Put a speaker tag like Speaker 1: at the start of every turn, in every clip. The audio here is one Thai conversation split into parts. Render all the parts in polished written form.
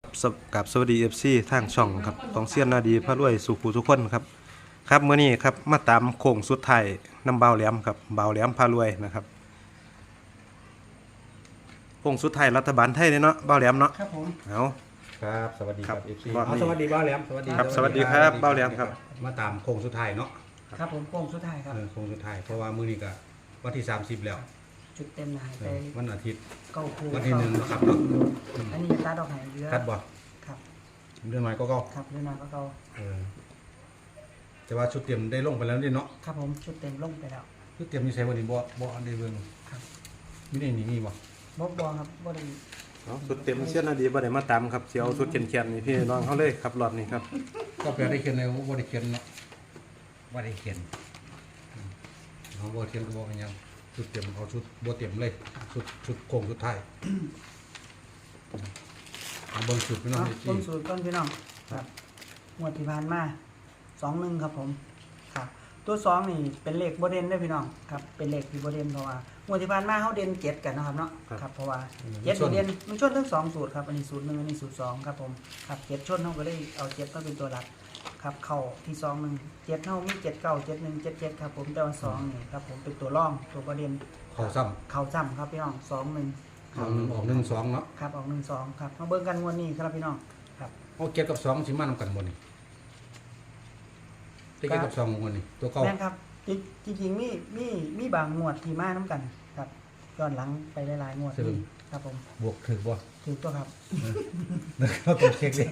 Speaker 1: กับสวัสดีFCทางช่องครับของเซียนนาดีพระรวยสุขูทุกคนครับครับมื้อนี้ครับมาตามโค้งสุดท้ายน้ำเบาแหลมครับเบาแหลมพารวยนะครับโค้งสุดท้ายรัฐบาลไทยเนาะเบาแหลมเนาะ
Speaker 2: ครับผม
Speaker 1: เอา
Speaker 3: ครับสวัสดีครับ
Speaker 1: ครับ
Speaker 3: FC
Speaker 1: รอบนี้
Speaker 3: สวัสดีบ้าวแหลมสวัสดี
Speaker 1: ครับสวัสดีครับบ้าวแหลมครับ
Speaker 3: มาตามโค้งสุดท้ายเนาะ
Speaker 2: ครับผมโค้งสุดท้ายครับ
Speaker 3: โค้งสุดท้ายเพราะว่ามื้อนี้ก็วันที่30แล้ว
Speaker 2: ชุดเต็มหายไป
Speaker 3: วันอาทิตย์
Speaker 2: เก้าคู่
Speaker 3: วันที่1เนาะครับเนาะ
Speaker 2: อันนี้ตัดดอกหายเยอะ
Speaker 3: คัดบ่
Speaker 2: ครับ
Speaker 3: เรื่องน้อยก็
Speaker 2: ครับเรื่องน้อยก็เก่า
Speaker 3: เออแต่ว่าชุดเตรียมได้ลงไปแล้วนี่เนาะ
Speaker 2: ครับผมชุดเต็มลงไปแล้ว
Speaker 3: ชุดเตรียมมีใส่วันนี้บ่อันได้เบิ่ง
Speaker 2: ครับ
Speaker 3: มีได้นี่บ่
Speaker 2: บอครับบ่ได้
Speaker 1: เอาสุดเต็มเซียนนาดีบ่ได้มาตามครับเสียวสุดเขียนๆนี่พี่น้องเขาเลยครับรอบนี้ครับ
Speaker 3: ก็แปลได้เขียนในบ่ได้เขียนเนาะบ่ได้เขียนเอาบ่เขียนก็บ่เป็นหยังชุดเตรียมเอาชุดบ่เตรียมเลยชุดโค้งสุดท้ายเอาเบิ่งชุดพี่น้อง
Speaker 2: ต้นสูตรต้นพี่น้องครับงวดที่ผ่านมา21ครับผมครับตัว2นี่เป็นเลขบ่เด่นเด้อพี่น้องครับเป็นเลขที่บ่เด่นเพราะว่างวดที่ผ่านมาเฮาเด่น7กันนะครับเนาะครับเพราะว่า7นี่เด่นมันชนทั้ง2สูตรครับอันนี้สูตร1อันนี้สูตร2ครับผมครับ7ชนเฮาก็เลยเอา7มาเป็นตัวหลัก ครับเข้าที่2 1 7เท่ามี7 9 7 1 7 7ครับผมแต่ว่า2นี่ครับผมเป็นตัวร่องตัวประเด็น
Speaker 3: เข้าซ้ำ
Speaker 2: เข้าซ้ำครับพี่น้อง2 1
Speaker 3: ออก1 2เนาะ
Speaker 2: ครับออก1 2ครับมาเบิ่งกันงวดนี้ครับพี่น้องครับ
Speaker 3: เอาเกียรกับ2สิมานำกันบ่นี่เกียรกับ2งวดนี่ตัวเก่า
Speaker 2: แม่นครับจริงๆมีบางงวดที่มานํกันครับย้อนหลังไปหลายๆงวดนี่ครับผม
Speaker 3: บวกถึกบ่
Speaker 2: ถูกตัวครับ
Speaker 3: เราต้องเช็คดิ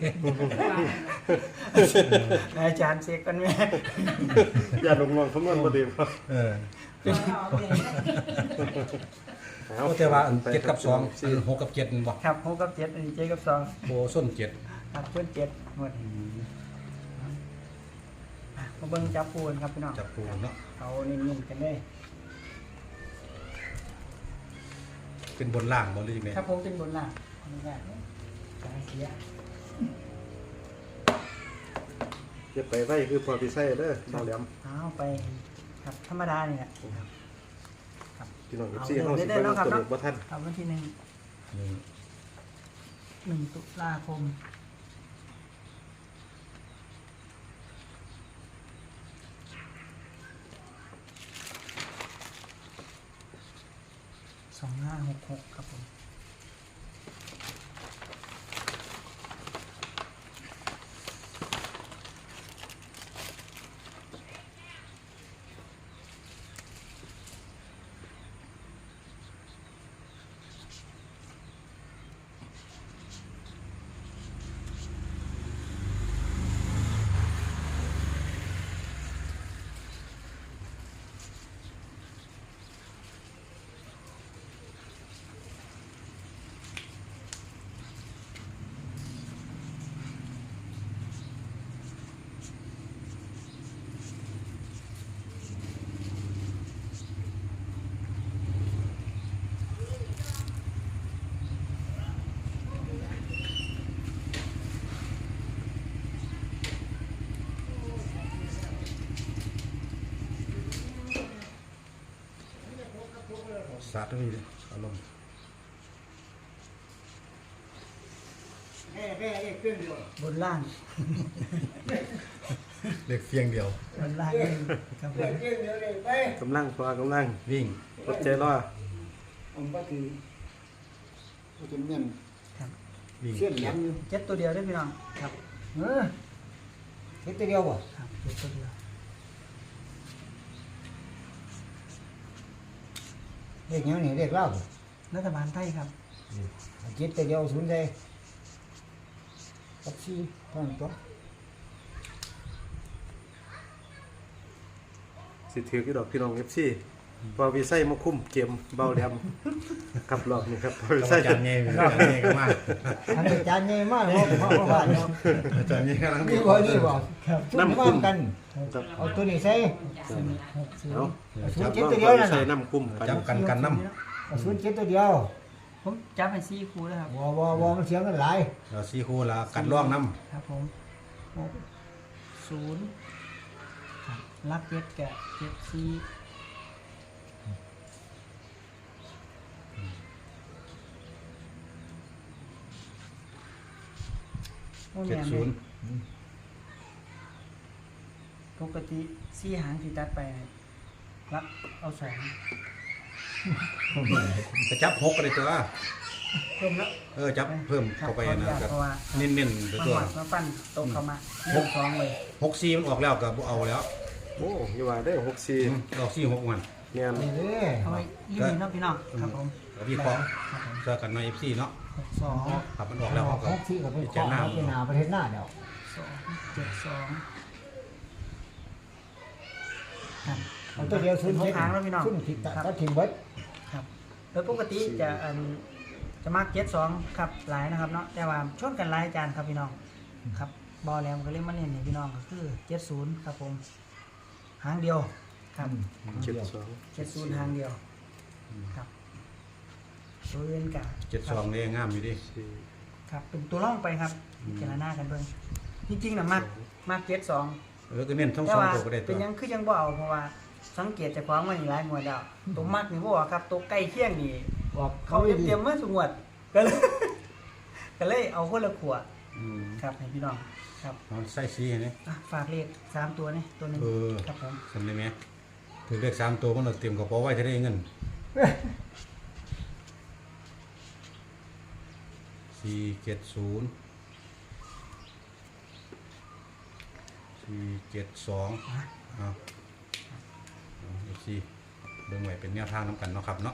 Speaker 2: อาจารย์เช็คกันแม่
Speaker 1: อย่าลงงคำนวณบ่ดีครับ
Speaker 3: เออ
Speaker 1: เอา
Speaker 3: แต่ว่าอัน7กับ2คือ6กับ7นั่นบ่
Speaker 2: ครับ6กับ7อันนี้7กับ2
Speaker 3: โบส้น7
Speaker 2: ครับเพิ่น7งวดนี้มาเบิ่งจับปูนครับพี่น้อง
Speaker 3: จับปูเนาะ
Speaker 2: เอานิ่มๆกันได้
Speaker 3: เป็นบนล่างบ่หรือจังได๋
Speaker 2: ครับผมเป็นบนล่างขออนุญาตสายเสีย
Speaker 1: จะไปไว้คือพอพี่ไส้เด้อเบาแหลม
Speaker 2: เอาไปครับธรรมดาเนี่ยครับ
Speaker 1: พี่น้อง FC เฮาสิไปลงตัวเลขบ่ทัน
Speaker 2: ครับวันที่1 ตุลาคม2566ครับผม
Speaker 3: สาธุนี่อารมณ์
Speaker 2: บนล่าง
Speaker 3: เลขเสียงเดียว
Speaker 2: บนล่างครับผม
Speaker 1: กำลังพอกำลัง
Speaker 3: วิ่ง
Speaker 1: อดใจรอ
Speaker 4: ผมก็คือก็จะเมียน
Speaker 2: ครับ
Speaker 3: วิ่ง
Speaker 4: เชื่อนหลังอยู่
Speaker 2: เจ็ดตัวเดียวได้อพี่น้องครับ
Speaker 4: เฮ็ดแต่เดียวบ่
Speaker 2: ครับเจ็ดตัวเดียว
Speaker 4: เด็กยังนี่เด็กเล่าบ่
Speaker 2: รัฐบาลไทยครับ
Speaker 4: เจ็ดแต่เดียวศูนย์ใจกับสี่เท่านั้นตัว
Speaker 1: สิถือกี่ดอกพี่น้อง FC พอพี่ไส้มาคุมเกมเบาแหลมครับรอบนี้ครับพอพี่
Speaker 3: อา
Speaker 1: ไส้
Speaker 3: จารย์เงี้ยอาจารย์เงี้ยก็มา
Speaker 4: อันอาจารย์ใหญ่มากเลยเพราะว่าเนาะ
Speaker 3: อาจารย์เงี้ยกำลัง
Speaker 4: นี่บ่นี่บ่น้ำคุ้มกัน
Speaker 1: ครับ
Speaker 4: เอาตัวนี้ใส่
Speaker 1: เอา
Speaker 4: ศูน
Speaker 1: จับ
Speaker 4: ย์เจ็ด
Speaker 1: น้อง
Speaker 4: ตัวเดี
Speaker 1: พ
Speaker 4: ย
Speaker 1: อ
Speaker 4: วนั่
Speaker 1: พี่
Speaker 4: น
Speaker 1: ไส้
Speaker 4: น่ะ
Speaker 1: น้ำคุมกัน
Speaker 3: จับกันน้
Speaker 4: เอาศูนย์เจ็ดตัวเดียว
Speaker 2: ผมจับให้ซี่ครูแล้วครับ
Speaker 4: บ่มันเสียงกันหลาย
Speaker 3: ำเรา4คู่ละกันร่องน้
Speaker 2: ครับผม0ครับรับเจ็ดแกะเจ็ดซี่โอ้
Speaker 3: เจ็
Speaker 2: แม่
Speaker 3: ด
Speaker 2: น
Speaker 3: ศูนย์
Speaker 2: ปกติสี่หางที่ตัดไปรับเอาสอง
Speaker 3: จะจับหกก็ได้ตัว
Speaker 2: เพิ่มแล้ว
Speaker 3: จับเพิ่มเข้าไปนะครับ
Speaker 2: เพราะว่า
Speaker 3: เน้นๆ
Speaker 2: มา
Speaker 3: ตัว
Speaker 2: หอดมาปั้นโต๊ะเข้ามาเรื่องสองเลย
Speaker 3: 64มันออกแล้วก็บ่เอาแล้ว
Speaker 1: โอ้ยว่าได้64
Speaker 3: ออก46มัน
Speaker 1: แม่น
Speaker 4: นี่เด้อ
Speaker 2: เอาไว้ยี่มีเนาะพี่น้องครับผม
Speaker 3: ก็วิเคราะห์
Speaker 2: ครับผม
Speaker 3: เจอกันใน FC เนาะ
Speaker 2: สอง
Speaker 3: ครับมันออกแล้วเขาก็
Speaker 4: ของที่ก็เป็นของเอาไปหนาประเทศหน้าเดี๋ยว
Speaker 2: สองเจ็ดสองครับ
Speaker 4: เอาตัวเดียวซุน
Speaker 2: หกหางแล้วพี่น้อง
Speaker 4: ซุนผิดตัดทิ้งไว้
Speaker 2: ครับโดยปกติจะมาเจ็ดสองครับหลายนะครับเนาะแต่ว่าชนกันหลายจานครับพี่น้องครับบอลแลมก็เล่นมาเล่นให้พี่น้องก็คือ70ครับผมหางเดียวครับ
Speaker 1: 72
Speaker 2: 70หางเดียวครับตัวเล่นกะ
Speaker 3: 72นี่งามอยู่ดิ
Speaker 2: ครับเป็นตัวล่องไปครับพิจารณากันเบิ่งจริงๆนะมาก72
Speaker 3: ก็เน้นทั้ง
Speaker 2: แต่
Speaker 3: สอง
Speaker 2: ว่า
Speaker 3: ตัวก็ได้ตั
Speaker 2: เป็
Speaker 3: วน
Speaker 2: ยังคือยังบ่เอาเพราะว่าสังเกตจากความมันหลายงวดแล้วตัวมักนี่บ่เอาครับตัวใกล้เคียงนี่
Speaker 4: บอก
Speaker 2: เขาเตรียมมาสุงวดก็เลย ก็เลยเอาคนละขวด
Speaker 3: อืม
Speaker 2: ครับให้พี่น้องครับ
Speaker 3: เอาใส่สีให้นี่
Speaker 2: อ่ะฝากเลข3ตัวนี่ตัวหนึง
Speaker 3: เออ
Speaker 2: ครับผม
Speaker 3: สำได้ไหมถือเลข3ตัวมันเราเตรียมกระเป๋าไว้จะได้เงิน470 472เอาFC เบิ่งไว้เป็นแนวทางนำกันเนาะครับเนาะ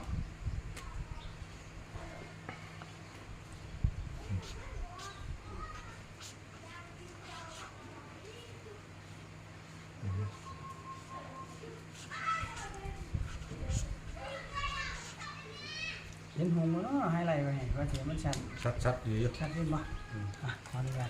Speaker 2: เห็นหงส์บ่เนาะไฮไลท์ไว้ให้ว่าเสียมันชัด
Speaker 3: ชัดๆอยู่
Speaker 2: ชัดขึ้นบ่อ่ะขออนุญาต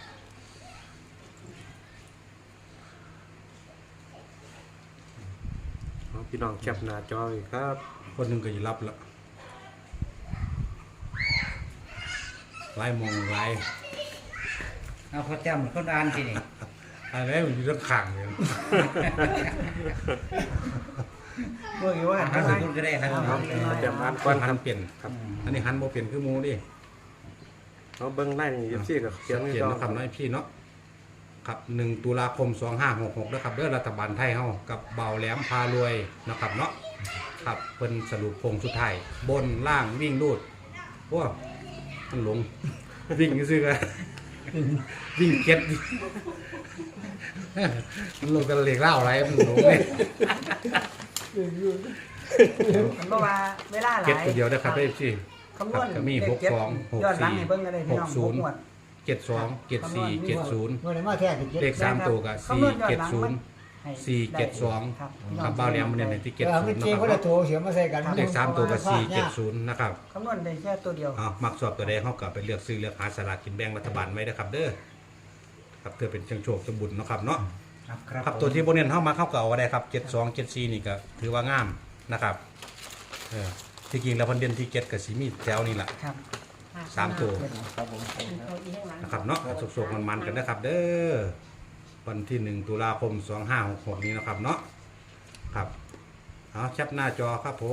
Speaker 1: เอาพี่น้องแคปหน้าจอไว้ครับ
Speaker 3: คนหนึงก็สิรับละหลายมองหลาย
Speaker 5: เอาเขาจำคนอ่านสินี่
Speaker 3: อะไรมันอยู่ด้านข้างเลย
Speaker 2: เมื่อกี้ว่า
Speaker 5: หันไปพูดก็ได้หัน
Speaker 2: ครับ
Speaker 1: เตรียมอ่าน
Speaker 3: ก้
Speaker 1: ก่
Speaker 3: อ
Speaker 1: อน น
Speaker 3: หั
Speaker 1: ครั
Speaker 3: น
Speaker 1: บ
Speaker 3: เปลี่ยนครับอันนี้หันบ่เปลี่ยนคือหมูดิ
Speaker 1: เอาเบิ่งไล่นี่ FC ก็เขียนไว้
Speaker 3: เขียน
Speaker 1: ก่อน
Speaker 3: นะครับน้อยพี่เนาะครับ1ตุลาคม2566นะครับเด้อรัฐบาลไทยเฮากับเบาแหลมพารวยนะครับเนาะครับเพิ่นสรุปโครงสุดท้ายบนล่างวิ่งรูดโอ้มันหลง วิ่งซื่อๆกันวิ่งเก็ดมันลงกันเหล็กเล่าอะไรมันหลงเลย
Speaker 2: มันบ่ว่าเวลาหลาย
Speaker 3: เก็ดตัวเดียวนะครับได้พี่
Speaker 2: คำนวณ
Speaker 3: ก็มี
Speaker 2: เลขเจ็ด
Speaker 3: 62
Speaker 2: ย้อนหลังให้เบิ่งกันเลยพี่น้อง
Speaker 3: 60
Speaker 2: 6งวด
Speaker 3: 72 74 70
Speaker 4: เมื่อไหร่มาแท้ถึงเจ็ด
Speaker 3: เลข3ตัวกับ
Speaker 2: คำนวณย้อนหลังมัน
Speaker 3: 470
Speaker 2: ให้
Speaker 3: 472
Speaker 2: ครับ
Speaker 3: ครับบ้าเรียมมันเนี่ยในที่
Speaker 4: เออไม่
Speaker 3: 70
Speaker 4: จริง
Speaker 3: นะ
Speaker 4: ก็
Speaker 3: ครั
Speaker 4: จะ
Speaker 3: บ
Speaker 4: โทรเสียมาใส่กัน
Speaker 3: เลข3ตัวกับ470นะครับ
Speaker 2: คำนวณได้แค่ตัวเดียว
Speaker 3: มักสอบตัวใดเขาก็ไปเลือกซื้อเลือกหาสลากกินแบ่งรัฐบาลไว้นะครับเด้อครับเพื่อเป็นเชิงโชคสมบุญเนาะครับเนาะ
Speaker 5: ครับ
Speaker 3: ครับตัวที่โบเนียนเข้ามาเข้าเก่าก็ได้ครับ72 74นี่ก็ถือว่างามนะครับที่จริงแล้วพันเดือนที่7กับสีมีแถวนี่แหละ
Speaker 2: ครับ
Speaker 3: 3ตัว
Speaker 4: ครับผม
Speaker 3: นะครับเนาะโศกๆมันๆกันนะครับเด้อวันที่1ตุลาคม2566นี้นะครับเนาะครับเอาแคปหน้าจอครับผม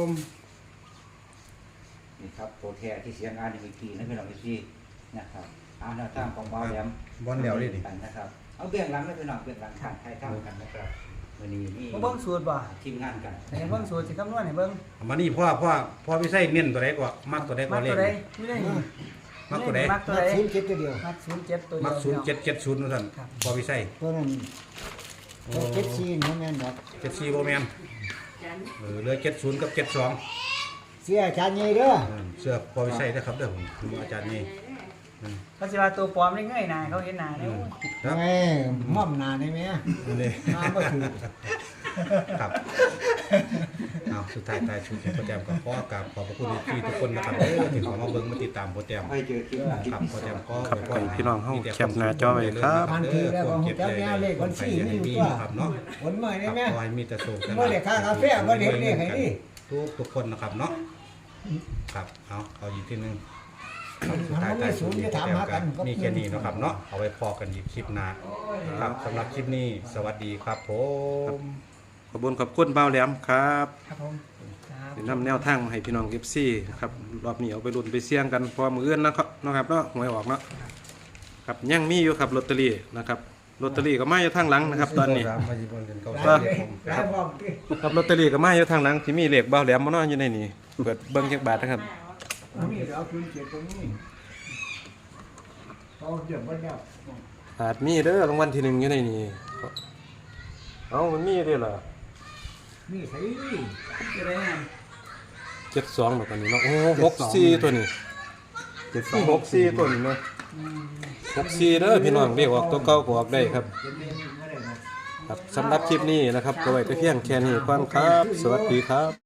Speaker 5: นี่ครับโปรแทที่เสียงอ่านในเมื่อกี้นะพี่น้องพี่นะครับอ่านแนวทางของบ้าแหลม
Speaker 3: บอลแล้วดิ
Speaker 5: กันนะครับเอาเบื้องหลังไม่พี่น้องเบื้องหลังทางไทยทำกันนะครับวันนี้มี
Speaker 2: บ่เบิ่งสูตรบ่
Speaker 5: ทีมงานกัน
Speaker 2: ให้เบิ่งสูตรสิคำนวณให้เบิ่ง
Speaker 3: มานี่พ่อพี่ไส้เน้นตัวใดก็มักตัวใดก็
Speaker 2: มัก
Speaker 3: เล่
Speaker 2: ตั
Speaker 3: น
Speaker 2: วใดนี่ได้นี่
Speaker 3: มักตัวใด
Speaker 2: มักตัว
Speaker 4: มา
Speaker 2: ใด
Speaker 4: ซุนเจ็ดตัวเดียว
Speaker 2: มัก07ตัวเดียว
Speaker 3: มัก0770นั่นท่านพ่อพี่ไส้
Speaker 4: ตัวนั้นตัวเจ็ดซีนเขาแม่นดอก
Speaker 3: 74บ่แม่นเหลือ70กับ72
Speaker 4: เสียอาจารย์ใหญ่เด้อ
Speaker 3: เสื้อพ่อพี่ไส้นะครับเด้อผมอาจารย์นี่
Speaker 2: เขาสิว่าตัวปลอมได้เงยหน้าเขาเห็นหน้าเด้อ
Speaker 3: ครับ
Speaker 4: ไอ้ม่อมหนาได้ไหม
Speaker 3: นี่
Speaker 4: น้ำก็ถือ
Speaker 3: ครับเอาสุดท้ายท้ายชุดโปรแกรมก็ขอกราบขอบพระคุณพี่ทุกคนนะครับที่เข้ามาเบิ่งมาติดตามโปรแกรม
Speaker 5: ให้เจอทีมงาน
Speaker 3: ครับโปรแกรมก็
Speaker 1: ครับให้พี่น้องเฮาแคปหน้าจอไว้ครับ
Speaker 4: พันทีแล้วก็เจ้าแม่เลขคนสี่นี่อยู่ตัว
Speaker 3: ครับเนาะ
Speaker 4: ผลใหม่ได้ไหม
Speaker 3: ขอให้มีแต่โชค
Speaker 4: เมื่อเด็กค่ากาแฟเมื่อเด็กนี่ให้ดิ
Speaker 3: ทุกคนนะครับเนาะครับเอาอีกทีนึง
Speaker 4: มันไม่สูงจะถามหากัน
Speaker 3: มีแค่นี้นะครับเนาะเอาไว้พอกันอีกคลิปหน้าครับสำหรับคลิปนี้สวัสดีครับผม
Speaker 1: ขอบคุณเบาแหลมครับ
Speaker 2: ครับผมครับ
Speaker 1: นำแนวทางมาให้พี่น้อง FC ครับรอบนี้เอาไปลุ้นไปเสี่ยงกันพอมื้ออื่นนะครับเนาะครับเนาะหวยออกเนาะครับยังมีอยู่ครับลอตเตอรี่นะครับลอตเตอรี่ก็มาอยู่ทางหลังนะครับ ตอนนี้
Speaker 3: มาจีบนกันเขา
Speaker 1: ก็
Speaker 4: หลายพร้อมที่
Speaker 1: ครับลอตเตอรี่ก็มาอยู่ทางหลังที่มีเลขเบาแหลมมานอนอยู่ในนี้เปิดเบิ่งจักบาทนะครับ
Speaker 4: นี่เอาคืนเกียรติตรงนี้เอาเดี๋ยวมันแล้ว
Speaker 1: อาจมีเด้อรางวัลที่หนึ่งอยู่ในนี้เอามันมีเด้อเหรอ
Speaker 4: นี่ใส่
Speaker 2: จะได้ไง
Speaker 1: 72แบบนี้เนาะโอ้64ตัวนี้64ตัวนี้เนาะ64เด้อพี่น้องเรียกออกตัวเก่าก็ออกได้ครับ
Speaker 4: เป็นเรื่องนี้ไม่ได้หรอก
Speaker 1: ครับสำหรับคลิปนี้นะครับก็ไว้แต่เพียงแค่นี้ก่อนครับ สวัสดีครับ